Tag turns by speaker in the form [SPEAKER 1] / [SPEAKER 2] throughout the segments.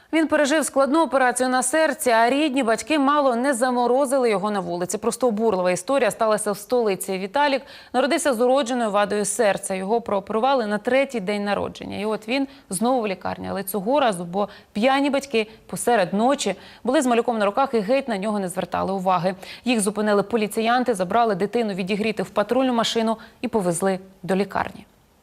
[SPEAKER 1] Він пережив складну операцію на серці, а рідні батьки мало не заморозили його на вулиці. Просто обурлива історія сталася в столиці. Віталік народився з уродженою вадою серця. Його прооперували на 3-й день народження. І от він знову в лікарні. Але цього разу, бо п'яні батьки посеред ночі були з малюком на руках і геть на нього не звертали уваги. Їх зупинили поліціянти, забрали дитину відігріти в патрульну машину і повезли до лікарні.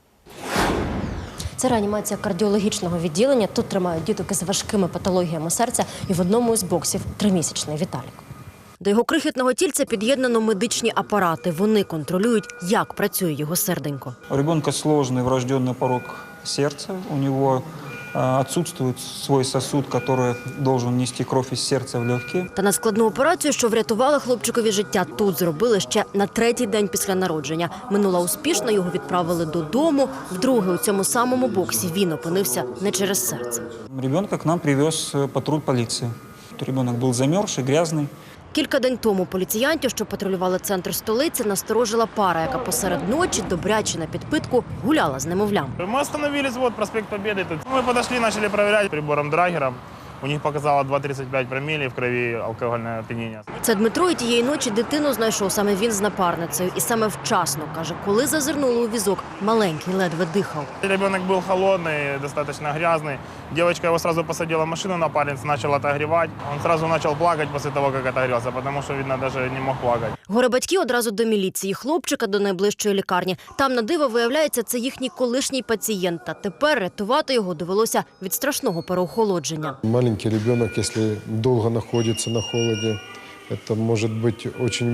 [SPEAKER 2] Це реанімація кардіологічного відділення. Тут тримають діток із важкими патологіями серця. І в одному із боксів 3-місячний Віталік. До його крихітного тільця під'єднано медичні апарати. Вони контролюють, як працює його серденько.
[SPEAKER 3] У ребенка сложный врожденный порог сердца. У него отсутствует свой сосуд, который должен нести кровь из сердца в легкие.
[SPEAKER 2] Та надскладну операцію, що врятувала хлопчикові життя, тут зробили ще на 3-й день після народження. Минула успішно, його відправили додому. Вдруге у цьому самому боксі він опинився не через серце.
[SPEAKER 3] Ребенка к нам привез патруль полиции. Ребенок был замерзший, грязный.
[SPEAKER 2] Кілька день тому поліціянтів, що патрулювали центр столиці, насторожила пара, яка посеред ночі, добряче на підпитку, гуляла з немовлям.
[SPEAKER 4] Мы остановились, вот проспект Победы. Тут мы подошли, начали проверять прибором Драгером. У них показало 2,35 промилле в крови, алкогольное опьянение.
[SPEAKER 2] Це Дмитро, і тієї ночі дитину знайшов саме він з напарницею. І саме вчасно, каже, коли зазирнули у візок, маленький ледве дихав.
[SPEAKER 4] Ребенок был холодный, достаточно грязный. Девочка его сразу посадила в машину, напарница начала отогревать. Он сразу начал плакать после того, как отогрелся, потому что, видно, даже не мог плакать.
[SPEAKER 2] Горе-батьки одразу до міліції, хлопчика до найближчої лікарні. Там, на диво, виявляється, це їхній колишній пацієнт. Та тепер рятувати його довелося від страшного переохолодження.
[SPEAKER 5] Маленький ребенок, если долго находится на холоде, это может быть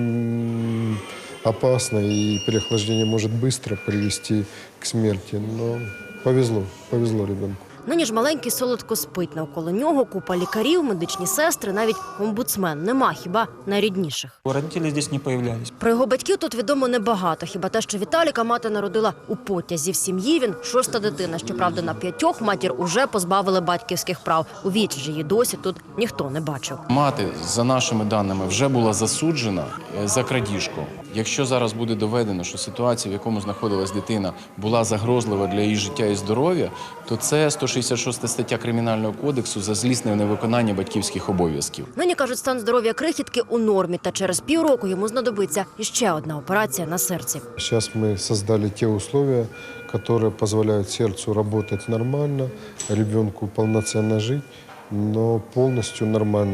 [SPEAKER 5] очень опасно, и переохлаждение может быстро привести к смерти. Но повезло ребенку.
[SPEAKER 2] Нині ж маленький солодко спить. Навколо нього купа лікарів, медичні сестри, навіть омбудсмен. Нема хіба найрідніших.
[SPEAKER 3] Родители здесь не появлялись.
[SPEAKER 2] Про його батьків тут відомо небагато. Хіба те, що Віталіка мати народила у потязі. В сім'ї він 6-та дитина. Щоправда, на 5 матір уже позбавили батьківських прав. У вічі ж її досі тут ніхто не бачив.
[SPEAKER 6] Мати, за нашими даними, вже була засуджена за крадіжку. Якщо зараз буде доведено, що ситуація, в якому знаходилась дитина, була загрозлива для її життя і здоров'я, то це 166 стаття Кримінального кодексу за злісне невиконання батьківських обов'язків.
[SPEAKER 2] Нині, кажуть, стан здоров'я крихітки у нормі, та через півроку йому знадобиться іще одна операція на серці.
[SPEAKER 5] Сейчас мы создали те условия, которые позволяют сердцу работать нормально, ребенку полноценно жить, но полностью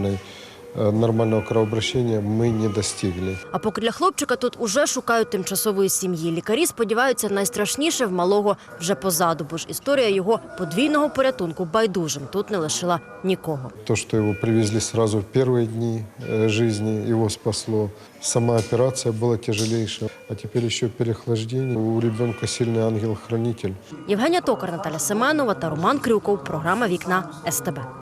[SPEAKER 5] нормального кровообращения мы не достигли.
[SPEAKER 2] А поки для хлопчика тут уже шукають тимчасової сім'ї. Лікарі сподіваються, найстрашніше в малого вже позаду, бо ж історія його подвійного порятунку байдужим тут не лишила нікого.
[SPEAKER 5] То, что его привезли сразу в первые дни жизни, его спасло. Сама операция была тяжелейшая, а теперь еще переохлаждение. У ребенка сильный ангел-хранитель.
[SPEAKER 2] Євгенія Токар, Наталя Семенова та Роман Крюков. Програма «Вікна СТБ».